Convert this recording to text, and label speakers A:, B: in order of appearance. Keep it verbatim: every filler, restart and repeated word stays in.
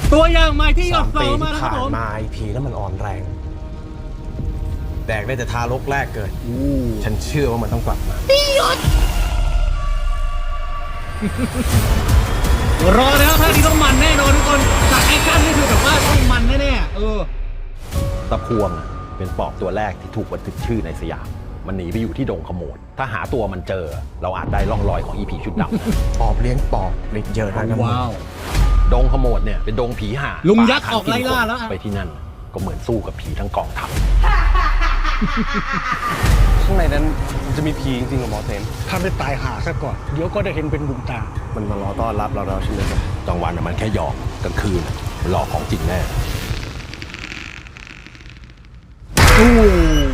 A: ตัวอย่างใหม่ที่หยด
B: สาม
A: เสา
B: ปี
A: มา
B: ที่
A: นะครับ
B: ผ่าน
A: ผม
B: มาไอพีแล้วมันอ่อนแรง แดกได้แต่ทารกแรกเกิด ฉันเชื่อว่ามันต้องกลับมา
A: รอแล้วท่านี้ต้องมันแน่นอนทุกคนจากแอคชั่นนี่คือแบบว่าต้องมันแน่ๆเออ
C: ตะพวงอะเป็นปอบตัวแรกที่ถูกบันทึกชื่อในสยาม มันหนีไปอยู่ที่ดงขโมด ถ้าหาตัวมันเจอ เราอาจได้ร่องรอยของอีผีชุดดำนะ
B: ปอบเลี้ยงปอบเล็ดเยอะนะกันหมด
A: ว้าว
C: ดงขโมดเนี่ยเป็นดงผีห่า
A: ลุงยักษ์ออกไล่ล่าแล้วอะ
C: ไปที่นั่นก็เหมือนสู้กับผีทั้งกองทัพ
B: ข้างในนั้นมันจะมีผีจริงๆเหรอหมอเซน
D: ถ้าไม่ตายหาซะก่อน เดี๋ยวก็ได้เห็นเป็นบุญตา
B: มันมารอต้อนรับเราแล้วใช่ไหมครับ
C: กลางวันน่ะมันแค่หยอกกลางคืนน่ะมันหลอกของจริงแน่
A: โอ้